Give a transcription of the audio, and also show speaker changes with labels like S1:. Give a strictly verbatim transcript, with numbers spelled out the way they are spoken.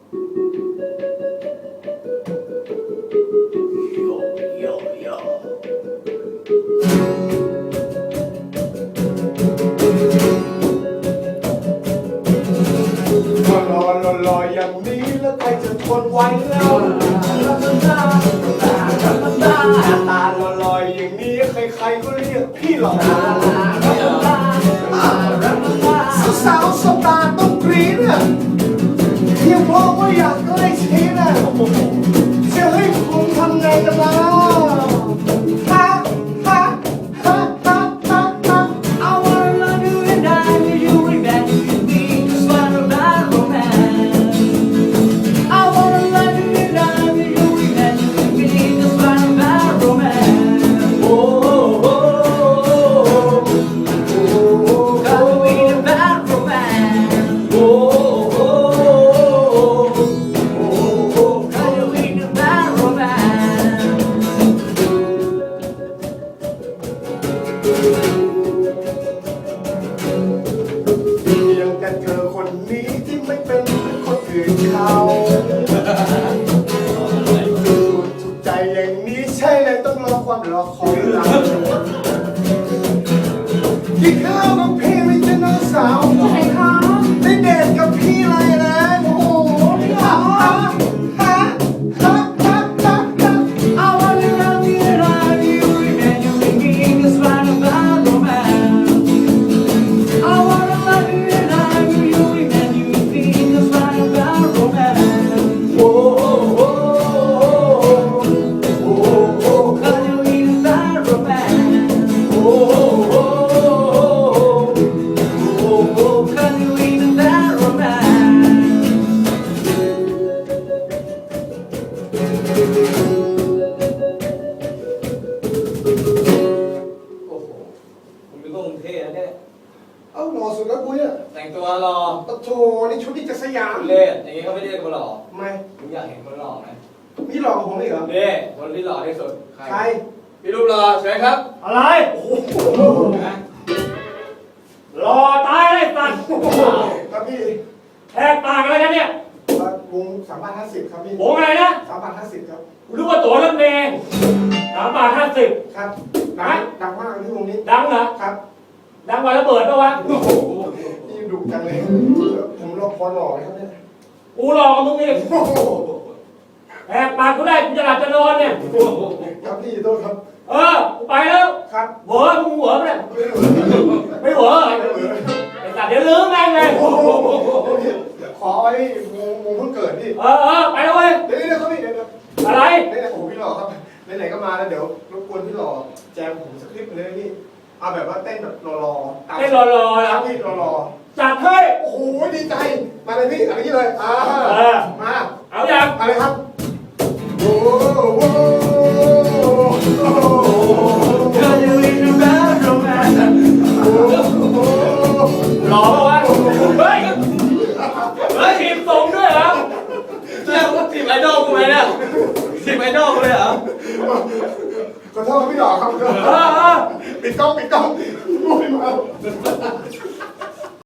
S1: โยโยก็รอรอรออย่างนี้แล้วใครจะทนไหวแล้วลาลาลาลาลาลาตาลอยลอยอย่างนี้ใครๆก็เรียกพี่หล่อสาวๆสตาร์ต้องกรี๊ดอ่ะเพียงเพราะว่าอยากใกล้ชิดอ่ะจะให้คุณทำไงกันล่ะฮะฮะฮะฮะฮะฮะ
S2: I wanna love you and die with you and that you can be just what about romance. I wanna love you and die with you and that you can be just what about romance.
S1: โอ้โห
S2: Cause we about romance.
S1: โอ้โห
S2: Cause we about romance.
S1: เพียงแต่เธอคนนี้ที่ไม่เป็นคนอื่นเขาถูกใจอย่างนี้ใช่เลยต้องรอความรอคอยหลังกินข้าวกับพี่ไม่ใช่น้องสาวใช่ค่ะได้เดทกับพี่เลยนะโอ้โหฮะฮะฮะฮะฮะฮะ
S2: I wanna love you and die with you and that you can be just what about romance. I wanna love you and die with you and that you can be just what about romance.
S1: โอ้โหโอ้โห
S2: Cause we about romance.
S1: โอ้โหโอ้โห
S2: Cause we about romance.
S3: โอ้โหคุณเป็นพวกกรุงเทพนะเนี่ย
S1: เอาหล่อสุดแล้วกูเนี่ย
S3: แต่งตัวรอ
S1: โอ้โหนี่ชุดนี้จะสยาม
S3: เล่อย่างงี้เขาไม่เรียกคนหล่อ
S1: ทำไม
S3: ผมอยากเห็นคนหล่อไหม
S1: พี่หล่อกว่าผมอีกเหรอ
S3: เล่คนที่หล่อที่สุด
S1: ใคร
S3: พี่รูปหล่อสวยครับ
S4: อะไร
S1: โอ้โห
S3: นะ
S4: รอตายเลยสัตว์
S1: ครับพี่
S4: แหกปากอะไรกันเนี่ย
S1: วงสามพันห้าสิบครับพี่
S4: โหอะไรนะ
S1: สามพันห้าสิบครับ
S4: กูรู้ว่าตั๋วรถเมล์สามบาทห้าสิบ
S1: ครับดังดังมากที่วงนี้
S4: ดังเหรอ
S1: ครับ
S4: ดังกว่าระเบิดปะวะ
S1: โอ้โหนี่ดุจังเลยผมรอพอหล่อเลยครับเนี่ย
S4: กูรอกับมึงอีก
S1: โอ้โห
S4: แหกปากกูได้กูจะหลับจะนอนเนี่ย
S1: ครับพี่โทษครับ
S4: เออ กูไปแล้ว
S1: ครับ
S4: เหวอมึงเหวอปะเนี่ย
S1: ไม่เหลือ
S4: ไม่เหวอ
S1: ไม่เหลือ
S4: ไอ้สัตว์เดี๋ยวลืมแม่งเลย
S1: โอ้โหขอไว้วงวงเพิ่งเกิดพี่
S4: เออเออไปแล้วเว้ย
S1: เดี๋ยวเดี๋ยวครับพี่เดี๋ยวเดี๋ยว
S4: อะไร
S1: ไหนๆโอ้โหพี่หล่อครับไหนๆก็มาแล้วเดี๋ยวรบกวนพี่หล่อแจมผมสักคลิปหนึงเลยพี่เอาแบบว่าเต้นแบบรอๆตาม
S4: ให้รอรอๆ
S1: ค
S4: นะ
S1: รับพี่รอ
S4: จัดให้
S1: ๆโอ้โหดีใจมาเลยพี่เอะไรนี้เลยอ่า
S4: เออ
S1: มา
S4: เอาอย่าง
S1: อะไรครับโอ้โห
S2: Cause we about romance.
S4: หล่อปะวะ เฮ้ย เฮ้ยทีมตรงด้วยเหรอ
S3: เรียกว่าทีมไอดอลกูไหมเนี่ยทีมไอดอลกูเลยเหรอ
S1: ขอโทษครับพี่หล่อครับ
S4: เออเออ
S1: ปิดกล้องปิดกล้องโอ้ยมา